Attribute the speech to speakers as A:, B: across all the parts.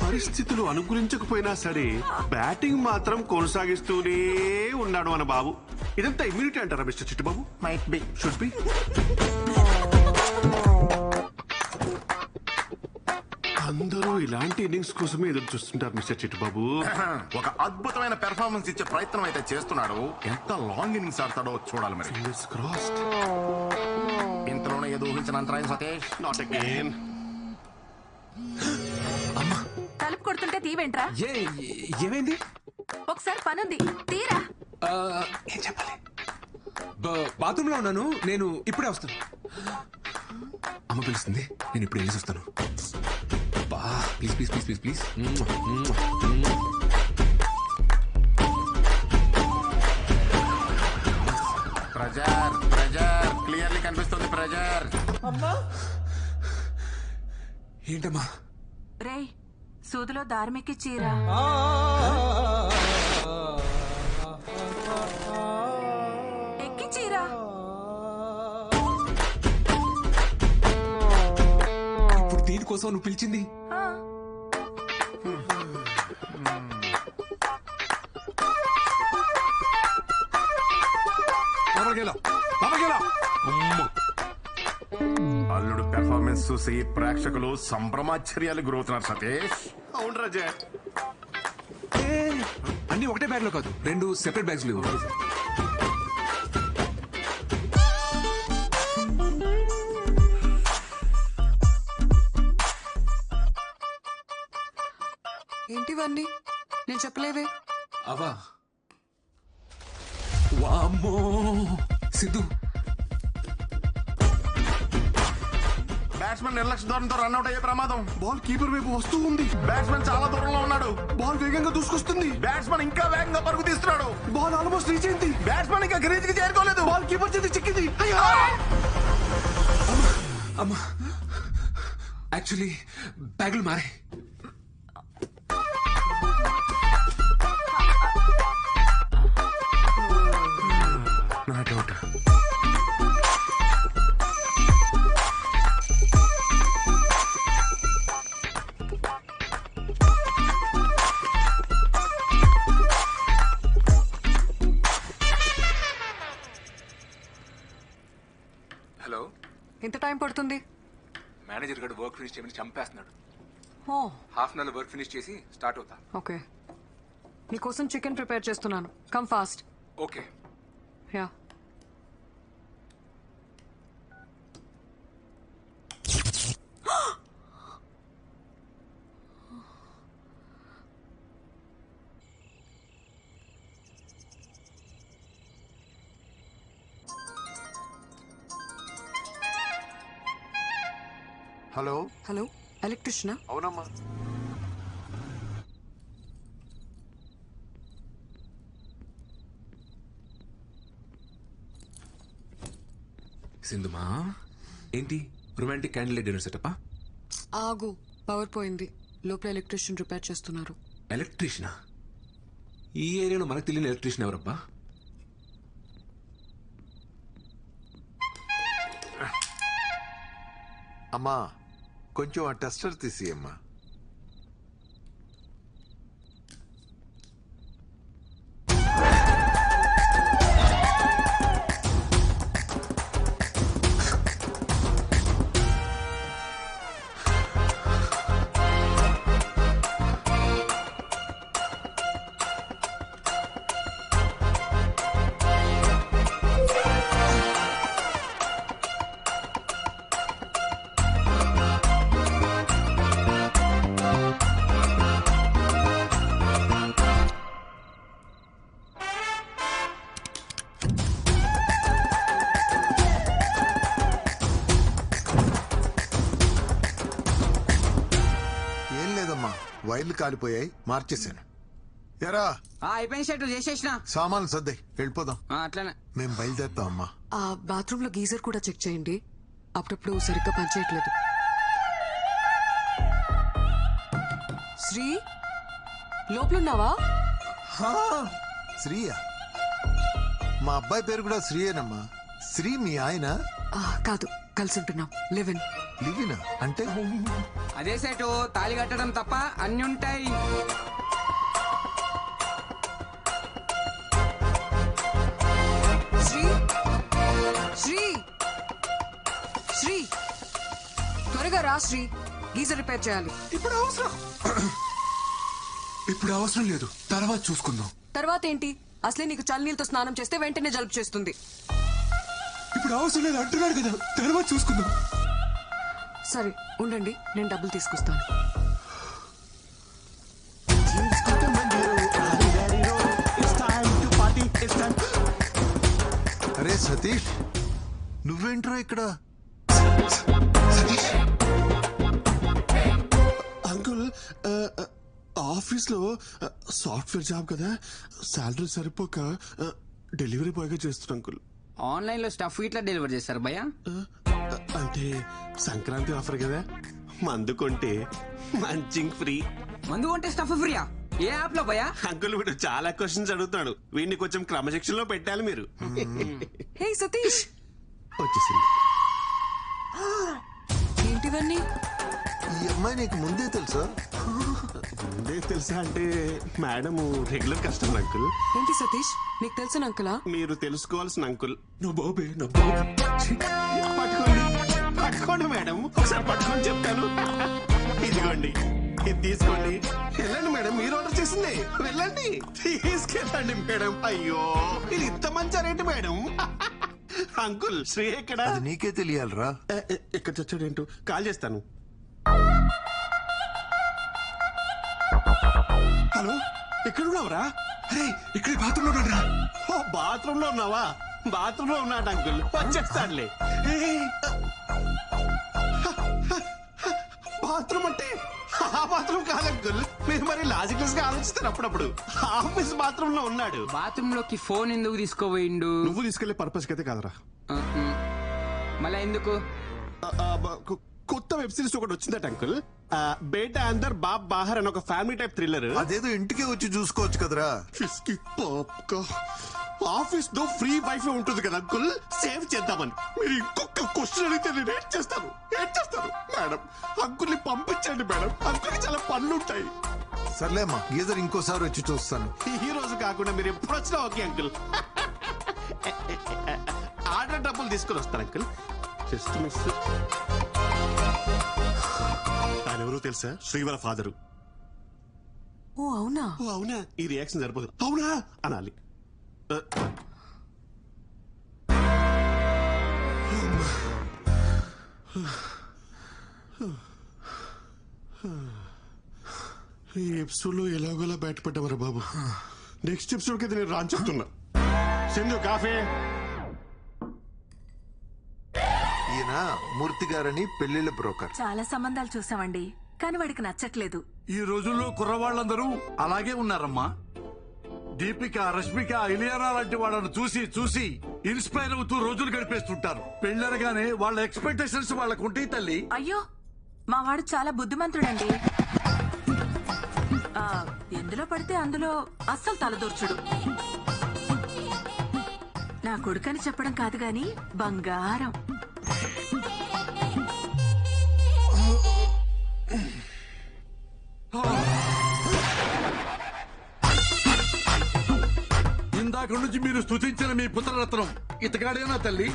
A: పరిస్థితులు అనుకూలించకపోయినా సరే బ్యాటింగ్ మాత్రం కొనసాగిస్తూనే ఉన్నాడు మన బాబు. ఇదంతా ఇమ్యూనిటీ అంటారా mister Chittubabu?
B: Might be.
A: Should be. అందరూ ఇలాంటి ఇన్నింగ్స్ కోసమే ఎదురు చూస్తుంటారు మిస్టర్ చిట్టుబాబు.
B: ఒక అద్భుతమైన పెర్ఫార్మెన్స్ ఇచ్చే ప్రయత్నం అయితే చేస్తున్నాడు. ఎంత లాంగ్ ఇన్నింగ్స్ ఆడతాడో చూడాలి మరి.
A: Fingers crossed.
B: ఇంతలోనే ఏదో ఊహించిన అంతరాయం సతీష్.
A: Not again.
C: తలుపు కొడుతుంటే తీవేంట్రా?
D: ఏమైంది?
C: ఒకసారి పనుంది, తీరా.
D: ఏం చెప్పాలి? బాత్రూమ్ లో ఉన్నాను, నేను ఇప్పుడే వస్తాను. అమ్మ పిలుస్తుంది, నేను ఇప్పుడు వెళ్ళి వస్తాను. Please please please please please.
B: Pressure pressure clearly కనిపిస్తుంది ప్రెజర్.
D: ఏంటమ్మా?
C: రే, సూదిలో దారిమికి చీరా. ఎక్కి చీరా.
D: ఇప్పుడు దీనికోసం నువ్వు పిలిచింది?
B: అల్లుడు పెర్ఫార్మెన్స్ చూసి ప్రేక్షకులు సంభ్రమాశ్చర్యాలు గురవుతున్నారు సతీష్.
A: అవును రాజా.
D: అన్ని ఒకటే బ్యాగ్ లో కాదు, 2 సెపరేట్ బ్యాగ్స్ లేవు.
E: ఏంటివన్నీ? నేను చెప్పలేదే.
D: అవా వామ్మో సిద్ధు,
B: బ్యాట్స్మెన్ నిర్లక్ష్య ధోరణితో రన్అట్ అయ్యే ప్రమాదం.
A: బాల్ కీపర్ వైపు వస్తూ ఉంది.
B: బ్యాట్స్మెన్ చాలా దూరంలో ఉన్నాడు.
A: బాల్ వేగంగా దూసుకొస్తుంది.
B: బ్యాట్స్మెన్ ఇంకా వేగంగా పరుగు తీస్తున్నాడు.
A: బాల్ ఆల్మోస్ట్ రీచ్ అయింది.
B: బ్యాట్స్మెన్ ఇంకా క్రీజ్ కి చేరుకోలేదు.
A: బాల్ కీపర్ చేతి చిక్కింది.
D: అమ్మా యాక్చువల్లీ బ్యాగులు మారే.
B: నా డౌట్.
D: హలో,
E: ఎంత టైం పడుతుంది?
D: మేనేజర్ గారు వర్క్ ఫినిష్ చేయమని చంపేస్తున్నాడు.
E: ఓ
D: half an hour work finish చేసి స్టార్ట్ అవుతా.
E: ఓకే, నీకోసం చికెన్ ప్రిపేర్ చేస్తున్నాను. Come fast.
D: Okay.
E: Yeah.
A: Hello.
E: Hello, ఎలక్ట్రిషియనా?
A: అవునమ్మా.
D: సింధుమా, ఏంటి రొమాంటిక్ క్యాండిల్ డిన్నర్ సెటప్పా?
E: ఆగు, పవర్ పోయింది. లోపల ఎలక్ట్రిషియన్ రిపేర్ చేస్తున్నారు.
D: ఎలక్ట్రీషియనా? ఈ ఏరియాలో మనకు తెలియని ఎలక్ట్రీషియన్ ఎవరబ్బా?
F: అమ్మా, కొంచెం ఆ టెస్టర్ తీసి అమ్మా. వైర్లు కాలిపోయాయి, మార్చేశాను. ఎరా
G: అయిపోయిన షర్టు చేసేసిన
F: సామాన్లు సర్దాయి, వెళ్ళిపోదాం.
G: అట్లానే
F: మేము బయలుదేరుతాం అమ్మా.
E: ఆ బాత్రూమ్ లో గీజర్ కూడా చెక్ చేయండి, అప్పుడప్పుడు సరిగ్గా పనిచేయట్లేదు. శ్రీ, లోపలున్నావా?
F: శ్రీయా? మా అబ్బాయి పేరు కూడా శ్రీయేనమ్మా. శ్రీ మీ ఆయన?
E: కాదు, కలిసి ఉంటున్నాం లివ్ ఇన్.
F: లివినా అంటే
G: అదే సెటు తాళి కట్టడం తప్ప అన్ని ఉంటాయి.
E: శ్రీ శ్రీ శ్రీ త్వరగా రా శ్రీ, గీజర్ రిపేర్ చేయాలి.
D: ఇప్పుడు అవసరం లేదు, తర్వాత చూసుకుందాం.
E: తర్వాత ఏంటి? అసలే నీకు చల్లనీళ్ళతో స్నానం చేస్తే వెంటనే జలుబు చేస్తుంది.
D: ఇప్పుడు అవసరం లేదు అంటున్నాడు కదా, తర్వాత చూసుకుందాం.
E: సరే ఉండండి, నేను డబ్బులు తీసుకొస్తాను.
F: అరే సతీష్, నువ్వేంట్రా ఇక్కడ?
A: అంకుల్ ఆఫీస్ లో సాఫ్ట్వేర్ జాబ్ కదా, శాలరీ సరిపోక డెలివరీ బాయ్ గా చేస్తున్నా అంకుల్.
G: ఆన్లైన్ లో స్టఫ్ ఇట్లా డెలివర్ చేస్తారు భయ్యా.
A: అంటే సంక్రాంతి ఆఫర్ కదా, మందు కొంటే మంచింగ్ ఫ్రీ.
G: మందు కొంటే స్టఫ్ ఫ్రీయా? ఏ యాప్ లో భయ్యా?
A: అంకుల్ వీడు చాలా క్వశ్చన్స్ అడుగుతాడు, వీడిని కొంచెం క్రమశిక్షణలో పెట్టాలి మీరు.
E: హే సతీష్,
A: వచ్చేసింది.
E: ఏంటివన్నీ?
F: ఈ అమ్మాయి నీకు ముందే తెలుసా?
A: ముందే తెలుసా అంటే మేడం రెగ్యులర్ కస్టమర్ అంకుల్.
E: ఏంటి సతీష్, నీకు తెలిసిన అంకులా?
A: మీరు తెలుసుకోవాల్సిన అంకుల్.
D: నా బాబే, నా బాబే.
A: పట్టుకోండి పట్టుకోండి మేడం, ఒకసారి పట్టుకొని చెప్తాను. ఇదిగోండి, ఇది తీసుకోండి. వెళ్ళండి మేడం, మీరు ఆర్డర్ చేసింది. వెళ్ళండి, తీసుకెళ్ళండి మేడం. అయ్యో ఇది ఇంత మంచి రేటు మేడం. అంకుల్ శ్రీ ఎక్కడ?
F: అది నీకే తెలియాలరా.
A: ఎక్కడ చచ్చాడేంటో, కాల్ చేస్తాను. హలో, ఎక్కడున్నావురా?
D: అరే ఇక్కడ బాత్రూమ్ లో ఉన్నాడు రా.
A: ఓ బాత్రూమ్ లో ఉన్నావా? బాత్రూమ్ లో ఉన్నాడు అంకుల్, వచ్చేస్తాడులే. బాత్రూమ్ అంటే ఆ బాత్రూమ్ కాదు అంకుల్, మీరు మరి లాజికల్స్ గా ఆలోచిస్తారు అప్పుడప్పుడు. ఆఫీస్ బాత్రూమ్ లో ఉన్నాడు.
G: బాత్రూమ్ లోకి ఫోన్ ఎందుకు తీసుకోపోయిండు?
A: నువ్వు తీసుకెళ్లే పర్పస్ అయితే కాదురా.
G: మళ్ళా ఎందుకు?
A: కొత్త వెబ్ సిరీస్ ఒకటి వచ్చిందట అంకుల్, బేటా అందర్ బాబ్ బాహర్ అని ఒక ఫ్యామిలీ టైప్ థ్రిల్లర్.
F: అదేదో ఇంటికే వచ్చి చూసుకోవచ్చు కదరా.
A: ఆఫీస్ లో ఫ్రీ వైఫై ఉంటుంది కదా అంకుల్, సేవ్ చేద్దామని. మీరు ఇంకొక క్వశ్చన్ అడిగితే నేను ఏం చేస్తాను మేడం. అంకుల్ ని పంపించండి మేడం, అంకుల్ చాలా పనులు ఉంటాయి.
F: సర్లేమ్మా, గీజర్ ఇంకోసారి వచ్చి చూస్తాను.
A: ఈ రోజు కాకుండా మీరు ఎప్పుడు వచ్చినా ఓకే అంకుల్. ఆర్డర్ డబ్బులు తీసుకుని వస్తాను అంకుల్. Just miss. ఆయన ఎవరో తెలుసా? శ్రీవర ఫాదరు.
E: ఓ అవునా?
A: ఓ అవునా, ఈ రియాక్షన్ సరిపోదు, అవునా అనాలి. ఈ ఎపిసోడ్ లో ఎలాగోలా బయటపడ్డామరా బాబు. నెక్స్ట్ ఎపిసోడ్ కి నేను రాని చెప్తున్నా. సింధు కాఫీ.
F: ఈయన మూర్తి గారని పెళ్లిళ్ళ బ్రోకర్.
C: చాలా సంబంధాలు చూసామండి, కానీ వాడికి నచ్చట్లేదు.
H: ఈ రోజుల్లో కుర్రవాళ్ళందరూ అలాగే ఉన్నారమ్మా. దీపిక, రష్మిక, ఇలియానా లాంటి వాళ్ళను చూసి చూసి ఇన్స్పైర్ అవుతూ రోజులు గడిపేస్తుంటారు. పెళ్ళరగానే వాళ్ళ ఎక్స్పెక్టేషన్స్ వాళ్ళకు ఉంటాయి తల్లి.
C: అయ్యో, మా వాడు చాలా బుద్ధిమంతుడండి. ఎందులో పడితే అందులో అస్సలు తలదూర్చుడు. నా కొడుకని చెప్పడం కాదు గాని బంగారం.
H: ఇందాక నుంచి మీరు స్తుతించిన మీ పుత్రరత్నం ఇతగాడేనా తల్లి?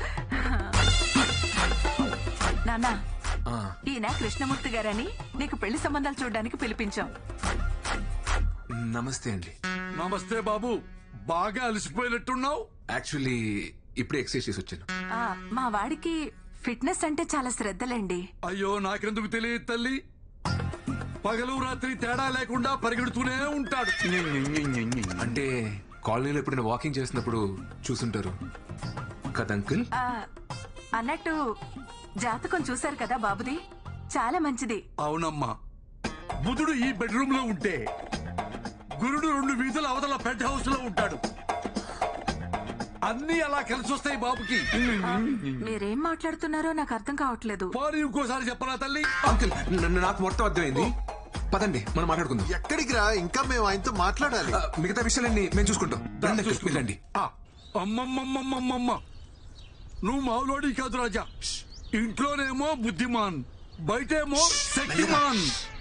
C: నాన్న, ఈయన కృష్ణమూర్తి గారని నీకు పెళ్లి సంబంధాలు చూడడానికి పిలిపించాం.
D: నమస్తే అండి.
H: నమస్తే బాబు, బాగా అలసిపోయినట్టున్నావు.
D: యాక్చువల్లీ ఇప్పుడే ఎక్సర్సైజ్ చేసి వచ్చాను.
C: మా వాడికి ఫిట్నెస్ అంటే చాలా శ్రద్ధలండి.
H: అయ్యో, నాకెందుకు తెలియదు తల్లి. పగలు రాత్రి తేడా లేకుండా పరిగెడుతూనే ఉంటాడు.
D: అంటే కాలనీలో ఎప్పుడైనా వాకింగ్ చేసినప్పుడు చూసుంటారు కదా అంకుల్.
C: అన్నట్టు జాతకం చూశారు కదా బాబుది, చాలా మంచిది.
H: అవునమ్మా, బుధుడు ఈ బెడ్రూమ్ లో ఉంటే గురుడు 2 వీధుల అవతల పెంట్ హౌస్ లో ఉంటాడు. అన్ని అలా కలిసి వస్తాయి బాబుకి.
C: మీరేం మాట్లాడుతున్నారో నాకు అర్థం కావట్లేదు.
H: పోనీ ఇంకోసారి చెప్పరా తల్లి?
D: అంకుల్ నాకు మొత్తం అర్థమైంది. పదండి మనం మాట్లాడుకుందాం.
F: ఎక్కడికి రా, ఇంకా మేము ఆయనతో మాట్లాడాలి.
D: మిగతా విషయాలన్నీ మేము చూసుకుంటాం. రండి అంకుల్, వెళ్ళండి.
H: అమ్మమ్మమ్మమ్మమ్మ, నువ్వు మావులోడి కాదు రాజా. ఇంట్లోనేమో బుద్ధిమాన్, బయటేమో శక్తిమాన్.